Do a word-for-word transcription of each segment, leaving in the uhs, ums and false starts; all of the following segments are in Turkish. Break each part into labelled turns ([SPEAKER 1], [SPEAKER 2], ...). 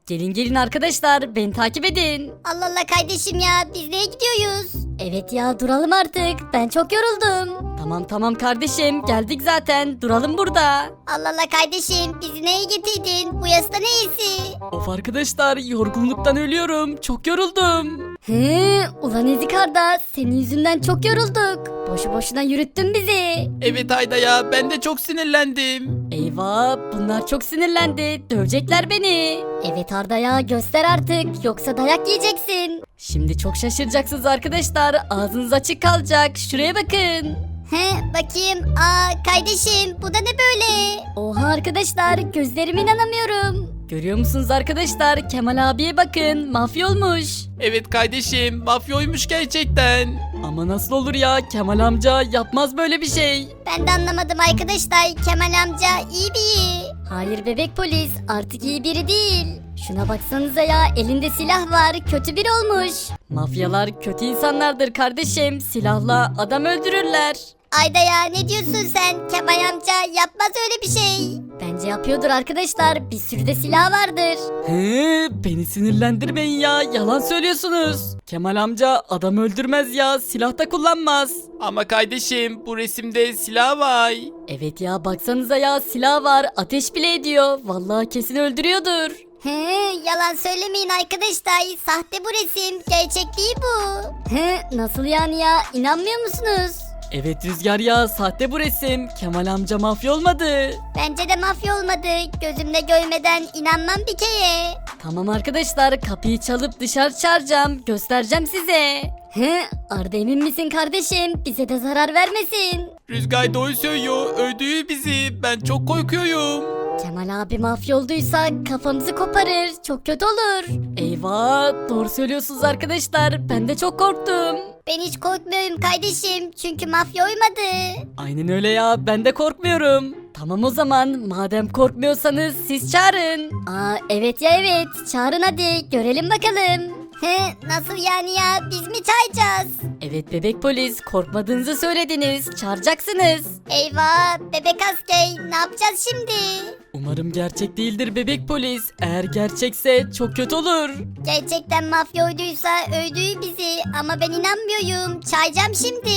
[SPEAKER 1] Gelin gelin arkadaşlar, beni takip edin.
[SPEAKER 2] Allah Allah kardeşim ya, biz nereye gidiyoruz?
[SPEAKER 1] Evet ya, duralım artık. Ben çok yoruldum. Tamam tamam kardeşim, geldik zaten. Duralım burada.
[SPEAKER 2] Allah Allah kardeşim, bizi neye getirdin? Bu yasta neyisi?
[SPEAKER 1] Of arkadaşlar, yorgunluktan ölüyorum. Çok yoruldum. He, ulan Ezik Arda, senin yüzünden çok yorulduk. Boşu boşuna yürüttün bizi.
[SPEAKER 3] Evet Ayda ya, ben de çok sinirlendim.
[SPEAKER 1] Eyvah, bunlar çok sinirlendi. Dövecekler beni. Evet Arda ya, göster artık, yoksa dayak yiyeceksin. Şimdi çok şaşıracaksınız arkadaşlar. Ağzınız açık kalacak. Şuraya bakın.
[SPEAKER 2] He, bakayım. Aa kardeşim, bu da ne böyle?
[SPEAKER 1] Oha arkadaşlar, gözlerime inanamıyorum. Görüyor musunuz arkadaşlar? Kemal abiye bakın, mafya olmuş.
[SPEAKER 3] Evet kardeşim, mafyoymuş gerçekten.
[SPEAKER 1] Ama nasıl olur ya? Kemal amca yapmaz böyle bir şey.
[SPEAKER 2] Ben de anlamadım arkadaşlar. Kemal amca iyi biri.
[SPEAKER 1] Hayır bebek polis, artık iyi biri değil. Şuna baksanıza ya, elinde silah var, kötü biri olmuş. Mafyalar kötü insanlardır kardeşim, silahla adam öldürürler.
[SPEAKER 2] Ayda ya, ne diyorsun sen? Kemal amca yapmaz öyle bir şey.
[SPEAKER 1] Bence yapıyordur arkadaşlar, bir sürü de silah vardır. He, beni sinirlendirmeyin ya, yalan söylüyorsunuz. Kemal amca adam öldürmez ya, silah da kullanmaz.
[SPEAKER 3] Ama kardeşim, bu resimde silah var.
[SPEAKER 1] Evet ya, baksanıza ya, silah var, ateş bile ediyor. Vallahi kesin öldürüyordur.
[SPEAKER 2] He, yalan söylemeyin arkadaşlar. Sahte bu resim. Gerçek değil bu.
[SPEAKER 1] He, nasıl yani ya, inanmıyor musunuz? Evet Rüzgar ya, sahte bu resim. Kemal amca mafya olmadı.
[SPEAKER 2] Bence de mafya olmadı. Gözümle görmeden inanmam bir kere.
[SPEAKER 1] Tamam arkadaşlar, kapıyı çalıp dışarı çağıracağım. Göstereceğim size. He, Arda emin misin kardeşim? Bize de zarar vermesin.
[SPEAKER 3] Rüzgar doğru söylüyor, öldürür bizi. Ben çok korkuyorum.
[SPEAKER 1] Kemal abi mafya olduysa kafamızı koparır. Çok kötü olur. Eyvah, doğru söylüyorsunuz arkadaşlar. Ben de çok korktum.
[SPEAKER 2] Ben hiç korkmuyorum kardeşim. Çünkü mafya uymadı.
[SPEAKER 1] Aynen öyle ya, ben de korkmuyorum. Tamam o zaman, madem korkmuyorsanız siz çağırın. Aa evet ya evet, çağırın hadi, görelim bakalım.
[SPEAKER 2] He, nasıl yani ya? Biz mi çağıracağız?
[SPEAKER 1] Evet bebek polis, korkmadığınızı söylediniz, çağıracaksınız.
[SPEAKER 2] Eyvah, bebek asker. Ne yapacağız şimdi?
[SPEAKER 1] Umarım gerçek değildir bebek polis. Eğer gerçekse çok kötü olur.
[SPEAKER 2] Gerçekten mafya uyduysa öldürür bizi. Ama ben inanmıyorum. Çağıracağım şimdi.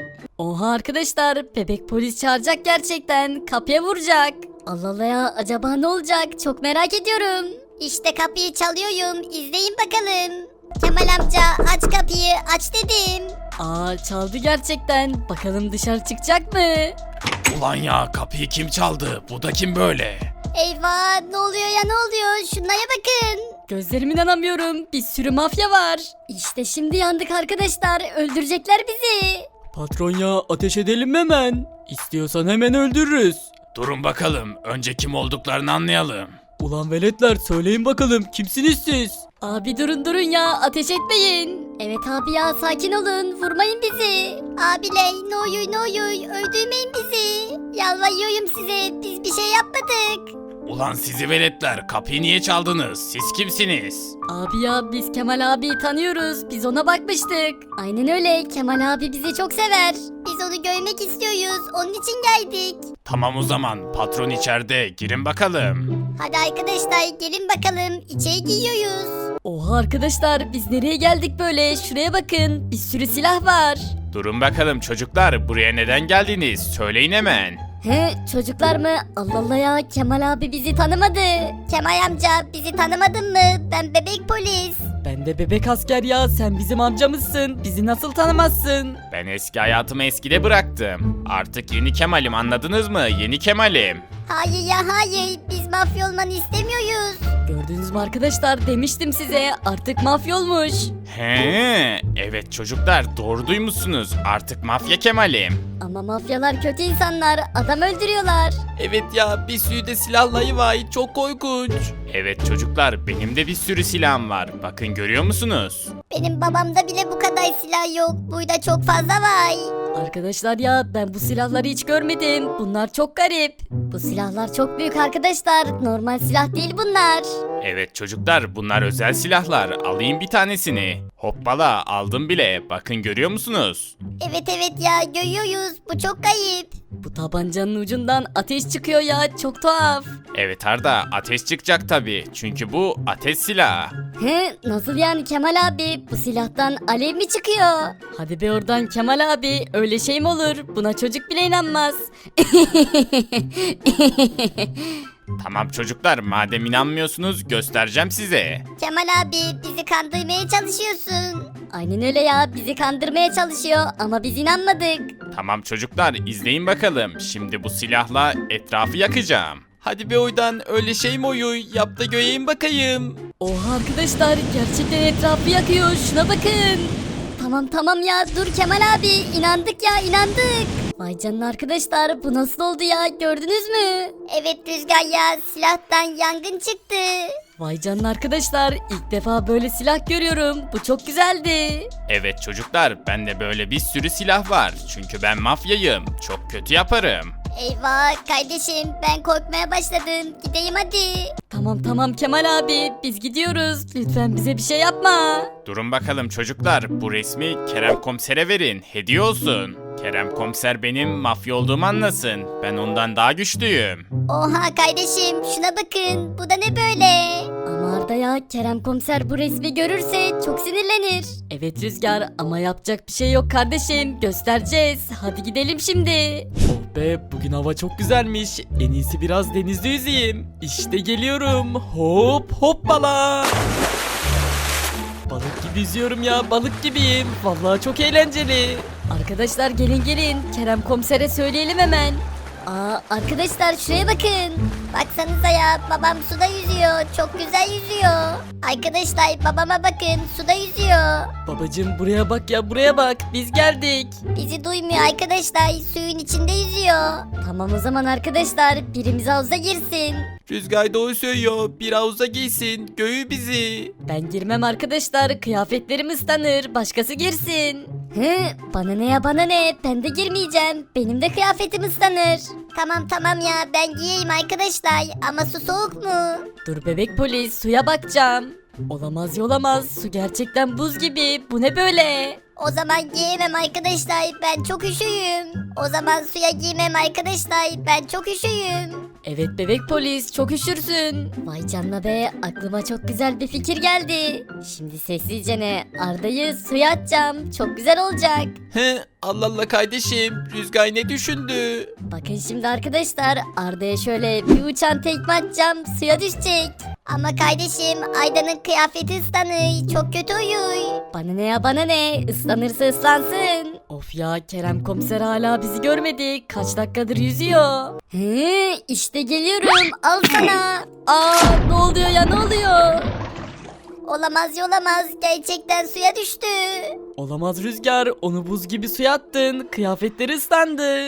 [SPEAKER 1] Oha arkadaşlar, bebek polis çağıracak gerçekten. Kapıya vuracak. Allah Allah ya, acaba ne olacak? Çok merak ediyorum.
[SPEAKER 2] İşte kapıyı çalıyorum. İzleyin bakalım. Kemal amca aç kapıyı, aç dedim.
[SPEAKER 1] Aa çaldı gerçekten. Bakalım dışarı çıkacak mı?
[SPEAKER 3] Ulan ya, kapıyı kim çaldı? Bu da kim böyle?
[SPEAKER 2] Eyvah, ne oluyor ya, ne oluyor? Şunlara bakın.
[SPEAKER 1] Gözlerime inanamıyorum. Bir sürü mafya var. İşte şimdi yandık arkadaşlar. Öldürecekler bizi. Patron ya, ateş edelim mi hemen? İstiyorsan hemen öldürürüz.
[SPEAKER 3] Durun bakalım, önce kim olduklarını anlayalım.
[SPEAKER 1] Ulan veletler, söyleyin bakalım, kimsiniz siz? Abi durun durun ya, ateş etmeyin. Evet abi ya, sakin olun, vurmayın bizi.
[SPEAKER 2] Abiler, ne oluyor ne oluyor? Öldürmeyin bizi. Yalvarıyorum size. Biz bir şey yapmadık.
[SPEAKER 3] Ulan sizi veletler, kapıyı niye çaldınız? Siz kimsiniz?
[SPEAKER 1] Abi ya, biz Kemal abiyi tanıyoruz. Biz ona bakmıştık. Aynen öyle, Kemal abi bizi çok sever.
[SPEAKER 2] Biz onu görmek istiyoruz. Onun için geldik.
[SPEAKER 3] Tamam o zaman, patron içeride, girin bakalım.
[SPEAKER 2] Hadi arkadaşlar, gelin bakalım. İçeri giriyoruz.
[SPEAKER 1] Oha arkadaşlar, biz nereye geldik böyle? Şuraya bakın, bir sürü silah var.
[SPEAKER 3] Durun bakalım çocuklar, buraya neden geldiniz? Söyleyin hemen.
[SPEAKER 1] He, çocuklar mı? Allah Allah ya, Kemal abi bizi tanımadı.
[SPEAKER 2] Kemal amca, bizi tanımadın mı? Ben bebek polis.
[SPEAKER 1] Ben de bebek asker ya, sen bizim amcamızsın. Bizi nasıl tanımazsın?
[SPEAKER 3] Ben eski hayatımı eskide bıraktım. Artık yeni Kemal'im, anladınız mı? Yeni Kemal'im.
[SPEAKER 2] Hayır ya hayır. Biz mafya olmanı istemiyoruz.
[SPEAKER 1] Gördünüz mü arkadaşlar, demiştim size, artık mafya olmuş.
[SPEAKER 3] He, evet çocuklar, doğru duymuşsunuz. Artık mafya Kemal'im.
[SPEAKER 1] Ama mafyalar kötü insanlar, adam öldürüyorlar.
[SPEAKER 3] Evet ya, bir sürü de silahları var, çok korkunç. Evet çocuklar, benim de bir sürü silahım var. Bakın, görüyor musunuz?
[SPEAKER 2] Benim babamda bile bu kadar silah yok. Burada çok fazla var.
[SPEAKER 1] Arkadaşlar ya ben bu silahları hiç görmedim. Bunlar çok garip.
[SPEAKER 2] Bu silahlar çok büyük arkadaşlar. Normal silah değil bunlar.
[SPEAKER 3] Evet çocuklar bunlar özel silahlar. Alayım bir tanesini. Hoppala aldım bile. Bakın görüyor musunuz?
[SPEAKER 2] Evet evet ya görüyoruz. Bu çok kayıp.
[SPEAKER 1] Bu tabancanın ucundan ateş çıkıyor ya, çok tuhaf.
[SPEAKER 3] Evet Arda ateş çıkacak tabii. Çünkü bu ateş silahı.
[SPEAKER 2] Hı, nasıl yani Kemal abi? Bu silahtan alev mi çıkıyor?
[SPEAKER 1] Hadi be oradan Kemal abi, öyle şey mi olur? Buna çocuk bile inanmaz.
[SPEAKER 3] Tamam çocuklar madem inanmıyorsunuz göstereceğim size.
[SPEAKER 2] Kemal abi bizi kandırmaya çalışıyorsun. Aynen öyle ya, bizi kandırmaya çalışıyor ama biz inanmadık.
[SPEAKER 3] Tamam çocuklar izleyin bakalım. Şimdi bu silahla etrafı yakacağım. Hadi be oydan öyle şey mi oyu? Yap da göreyim bakayım.
[SPEAKER 1] Oha arkadaşlar, gerçekten etrafı yakıyor, şuna bakın.
[SPEAKER 2] Tamam tamam ya, dur Kemal abi, inandık ya inandık. Vay canına arkadaşlar, bu nasıl oldu ya, gördünüz mü? Evet Rüzgar ya, silahtan yangın çıktı.
[SPEAKER 1] Vay canına arkadaşlar, ilk defa böyle silah görüyorum. Bu çok güzeldi.
[SPEAKER 3] Evet çocuklar bende böyle bir sürü silah var. Çünkü ben mafyayım. Çok kötü yaparım.
[SPEAKER 2] Eyvah kardeşim, ben korkmaya başladım, gideyim hadi.
[SPEAKER 1] Tamam tamam Kemal abi, biz gidiyoruz. Lütfen bize bir şey yapma.
[SPEAKER 3] Durun bakalım çocuklar. Bu resmi Kerem Komiser'e verin. Hediye olsun. Kerem Komiser benim mafya olduğumu anlasın. Ben ondan daha güçlüyüm.
[SPEAKER 2] Oha kardeşim, şuna bakın, bu da ne böyle?
[SPEAKER 1] Ama Arda ya, Kerem komiser bu resmi görürse çok sinirlenir. Evet Rüzgar, ama yapacak bir şey yok kardeşim. Göstereceğiz. Hadi gidelim şimdi. Oh be, bugün hava çok güzelmiş. En iyisi biraz denizde yüzeyim. İşte geliyorum. Hop hoppala. Balık gibi yüzüyorum ya, balık gibiyim. Vallahi çok eğlenceli. Arkadaşlar gelin gelin, Kerem komisere söyleyelim hemen.
[SPEAKER 2] Aa arkadaşlar şuraya bakın. Baksanıza ya, babam suda yüzüyor. Çok güzel yüzüyor. Arkadaşlar babama bakın, suda yüzüyor.
[SPEAKER 1] Babacım buraya bak ya, buraya bak, biz geldik.
[SPEAKER 2] Bizi duymuyor arkadaşlar, suyun içinde yüzüyor. Tamam o zaman arkadaşlar, birimiz havuza girsin.
[SPEAKER 3] Rüzgar doğru söylüyor. Bir havuza giysin. Göğü bizi.
[SPEAKER 1] Ben girmem arkadaşlar, kıyafetlerim ıslanır, başkası girsin.
[SPEAKER 2] Hı, bana ne ya bana ne, ben de girmeyeceğim. Benim de kıyafetim ıslanır. Tamam tamam ya, ben giyeyim arkadaşlar, ama su soğuk mu?
[SPEAKER 1] Dur bebek polis, suya bakacağım. Olamaz yolamaz, su gerçekten buz gibi, bu ne böyle?
[SPEAKER 2] O zaman giyemem arkadaşlar, ben çok üşüyüm. O zaman suya giymem arkadaşlar, ben çok üşüyüm.
[SPEAKER 1] Evet bebek polis, çok üşürsün.
[SPEAKER 2] Vay canına be, aklıma çok güzel bir fikir geldi. Şimdi sessizce ne, Arda'yı suya atacağım, çok güzel olacak.
[SPEAKER 3] He, Allah Allah kardeşim. Rüzgar ne düşündü?
[SPEAKER 2] Bakın şimdi arkadaşlar, Arda'ya şöyle bir uçan tekme atacağım, suya düşecek. Ama kardeşim, Ayda'nın kıyafeti ıslanır, çok kötü uyuyor. Bana ne ya bana ne, ıslanırsa ıslansın.
[SPEAKER 1] Of ya, Kerem komiser hala bizi görmedi, kaç dakikadır yüzüyor.
[SPEAKER 2] He, işte geliyorum, al sana.
[SPEAKER 1] Aa, ne oluyor ya, ne oluyor?
[SPEAKER 2] Olamaz olamaz, gerçekten suya düştü.
[SPEAKER 1] Olamaz Rüzgar, onu buz gibi suya attın, kıyafetleri ıslandı.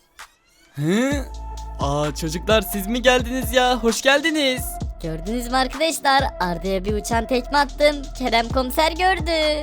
[SPEAKER 1] Hı? Aa çocuklar, siz mi geldiniz ya, hoş geldiniz.
[SPEAKER 2] Gördünüz mü arkadaşlar, Arda'ya bir uçan tekme attım, Kerem komiser gördü.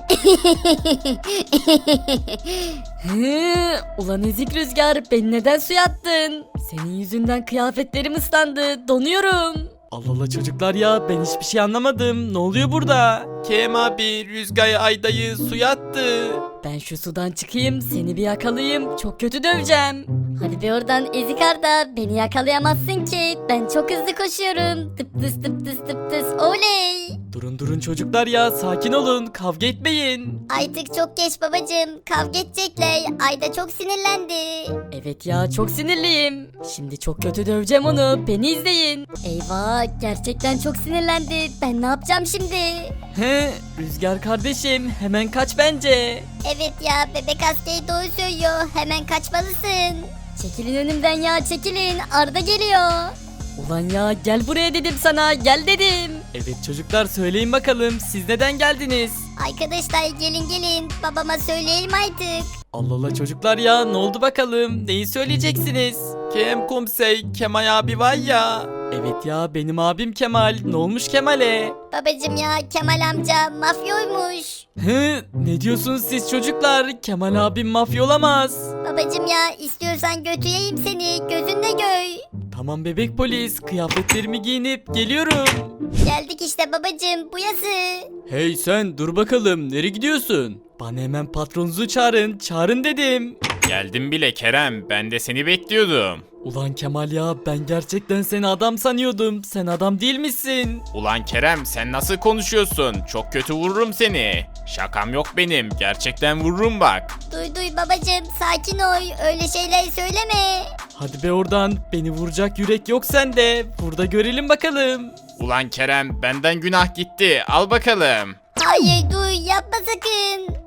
[SPEAKER 1] Hı, ulan ezik Rüzgar, beni neden suya attın? Senin yüzünden kıyafetlerim ıslandı, donuyorum. Allah Allah çocuklar ya, ben hiçbir şey anlamadım. Ne oluyor burada?
[SPEAKER 3] Kerem abi Rüzgar Ayda'yı suya attı.
[SPEAKER 1] Ben şu sudan çıkayım, seni bir yakalayayım, çok kötü döveceğim.
[SPEAKER 2] Hadi be oradan ezik Arda, beni yakalayamazsın ki, ben çok hızlı koşuyorum. Tıp tıs tıp tıs tıp tıs, oley.
[SPEAKER 1] Durun durun çocuklar ya, sakin olun, kavga etmeyin.
[SPEAKER 2] Artık çok geç babacığım, kavga edecekler, Ayda çok sinirlendi.
[SPEAKER 1] Evet ya, çok sinirliyim. Şimdi çok kötü döveceğim onu, beni izleyin.
[SPEAKER 2] Eyvah, gerçekten çok sinirlendi, ben ne yapacağım şimdi?
[SPEAKER 1] He, Rüzgar kardeşim, hemen kaç bence.
[SPEAKER 2] Evet ya, bebek askeri doğru söylüyor, hemen kaçmalısın. Çekilin önümden ya, çekilin, Arda geliyor.
[SPEAKER 1] Ulan ya, gel buraya dedim sana, gel dedim. Evet çocuklar, söyleyin bakalım, siz neden geldiniz?
[SPEAKER 2] Arkadaşlar gelin gelin, babama söyleyelim artık.
[SPEAKER 1] Allah Allah çocuklar ya, ne oldu bakalım, neyi söyleyeceksiniz?
[SPEAKER 3] Kerem Komiser Kemal abi var ya.
[SPEAKER 4] Evet ya, benim abim Kemal. Ne olmuş Kemal'e?
[SPEAKER 2] Babacım ya, Kemal amca mafyoymuş.
[SPEAKER 4] Hı, ne diyorsunuz siz çocuklar? Kemal abim mafya olamaz.
[SPEAKER 2] Babacım ya, istiyorsan götüreyim seni, gözünle göy.
[SPEAKER 4] Tamam bebek polis, kıyafetlerimi giyinip geliyorum.
[SPEAKER 2] Geldik işte babacım, bu yası.
[SPEAKER 4] Hey sen, dur bakalım, nereye gidiyorsun? Bana hemen patronunuzu çağırın, çağırın dedim.
[SPEAKER 3] Geldim bile Kerem, ben de seni bekliyordum.
[SPEAKER 4] Ulan Kemal ya, ben gerçekten seni adam sanıyordum. Sen adam değil misin?
[SPEAKER 3] Ulan Kerem, sen nasıl konuşuyorsun? Çok kötü vururum seni. Şakam yok benim, gerçekten vururum bak.
[SPEAKER 2] Duy duy babacım, sakin ol, öyle şeyler söyleme.
[SPEAKER 4] Hadi be oradan, beni vuracak yürek yok sende. Burada görelim bakalım.
[SPEAKER 3] Ulan Kerem, benden günah gitti, al bakalım.
[SPEAKER 2] Hayır duy, yapma sakın.